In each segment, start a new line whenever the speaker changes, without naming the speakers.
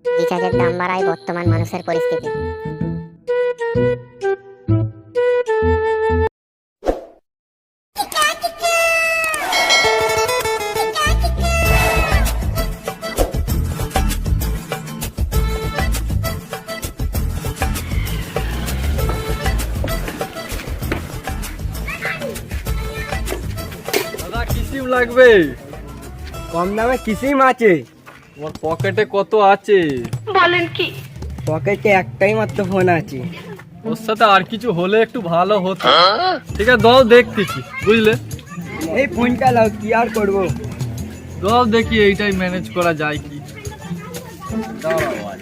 রিচার্জের দাম বাড়ায় বর্তমান মানুষের পরিস্থিতি।
দাদা কি সিম লাগবে?
কম দামে কি সিম আছে?
তোমার পকেটে কত আছে?
পকেটে একটাই মাত্র ফোন আছে।
ওর সাথে আর কিছু হলে একটু ভালো হতো। ঠিক আছে দাও দেখতেছি, বুঝলে?
এই ফোনটা লাও, কি আর করবো।
দাও দেখি এইটাই ম্যানেজ করা যায় কি। দাঁড়াও আজ।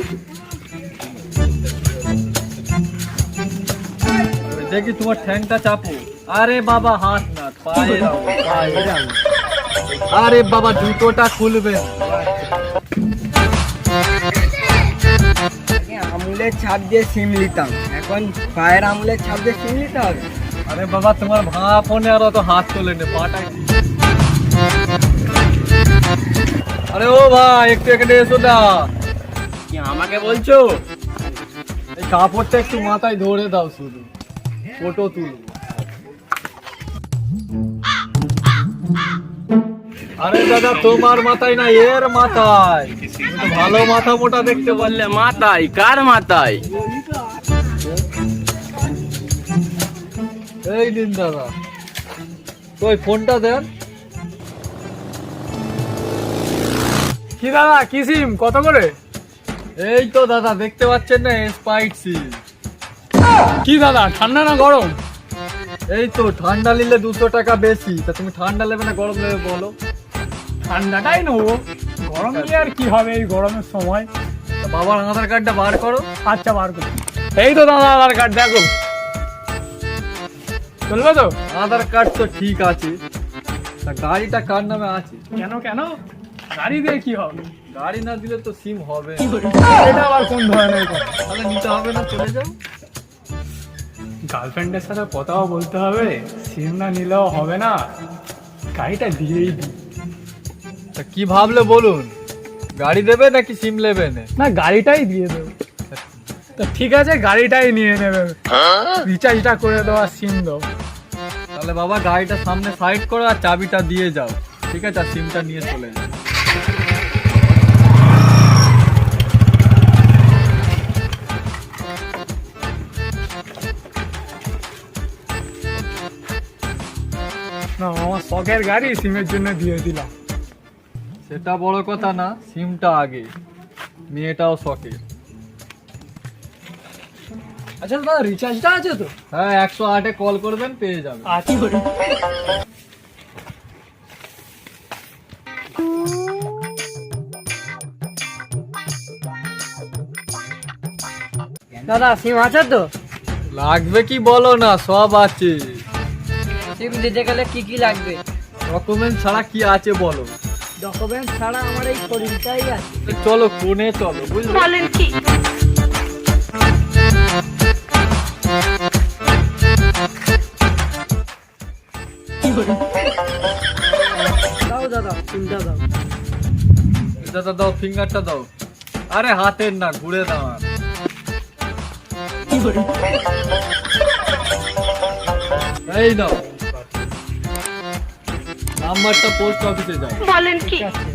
দেখি তোমার ঠ্যাংটা চাপো। আরে বাবা হাত না, পায়ে দাও, পায়ে দাও। আরে বাবা জুতোটা খুলবেন।
আমুলের ছাপ দিয়ে সিম নিতাম, এখন পায়ের আমুলের ছাপ দিয়ে সিম নিতে হবে।
আরে বাবা তোমার ভাঙা ফোনে আর অত হাত তোলে নে, পাটাই। আরে ও ভাই একটু এখানে এসো না।
কি আমাকে বলছো?
এই কাপড়টা একটু মাথায় ধরে দাও, শুধু ফটো তুলবো। আরে দাদা তোমার মাথায় না, এর মাথায়। তুমি তো ভালো মাথা মোটা দেখতে পারলে।
মাথায়? কার মাথায়?
এই নিন দাদা, ওই ফোনটা দেন।
কি দাদা, কি সিম কত করে?
এই তো দাদা দেখতে পাচ্ছেন না, স্পাইট সিম।
কি দাদা, ঠান্ডা না গরম?
এই তো ঠান্ডা নিলে 200 টাকা বেশি। তা তুমি ঠান্ডা নেবে না গরম নেবে বলো?
ঠান্ডাটাই নেবো, গরম নিয়ে আর কি হবে এই গরমের সময়।
তা বাবার আধার কার্ডটা বার করো।
আচ্ছা বার করো। এই তো দাদা আধার কার্ড, দেখো চলবে তো?
আধার কার্ড তো ঠিক আছে, তা গাড়িটা কার নামে আছে?
কেন কেন, গাড়ি দিয়ে কি হবে?
গাড়ি না দিলে তো সিম হবে না।
এটা আবার কোন ধরনের কথা?
তাহলে নিতে হবে না, চলে যাও।
গার্লফ্রেন্ডের সাথে কথাও বলতে হবে, সিম না নিলেও হবে না, গাড়িটা দিয়েই দিই।
তা কি ভাবলে বলুন, গাড়ি দেবে নাকি সিম নেবে?
না গাড়িটাই দিয়ে দেবো। তো ঠিক আছে, গাড়িটাই নিয়ে নেবে, রিচার্জটা করে দেওয়া, সিম দাও।
তাহলে বাবা গাড়িটা সামনে সাইড করো আর চাবিটা দিয়ে যাও, ঠিক আছে? আর সিমটা নিয়ে চলে যাও।
না আমার শখের গাড়ি, সিমের জন্য দিয়ে দিলাম।
সেটা বড় কথা না, সিমটা আগে, মেয়েটাও শখে।
আচ্ছা দাদা রিচার্জটা আছে তো?
হ্যাঁ 108-এ কল করবেন, পেয়ে যাবেন।
আছি করে।
দাদা সিম আছে তো?
লাগবে কি বলো না, সব আছে।
সিম দিতে গেলে কি কি লাগবে?
ডকুমেন্ট ছাড়া কি আছে বলো?
ডকুমেন্ট ছাড়া আমার এই শরীরটাই আছে।
চলো কোণে চলো, বুঝলে?
দাও দাদা সিমটা দাও।
দাদা দাও, ফিঙ্গারটা দাও। আরে হাতের না, ঘুরে দাও। এই দাও, নাম্বারটা পোস্ট অফিসে যাও।
বলেন কি?
ঠিক আছে।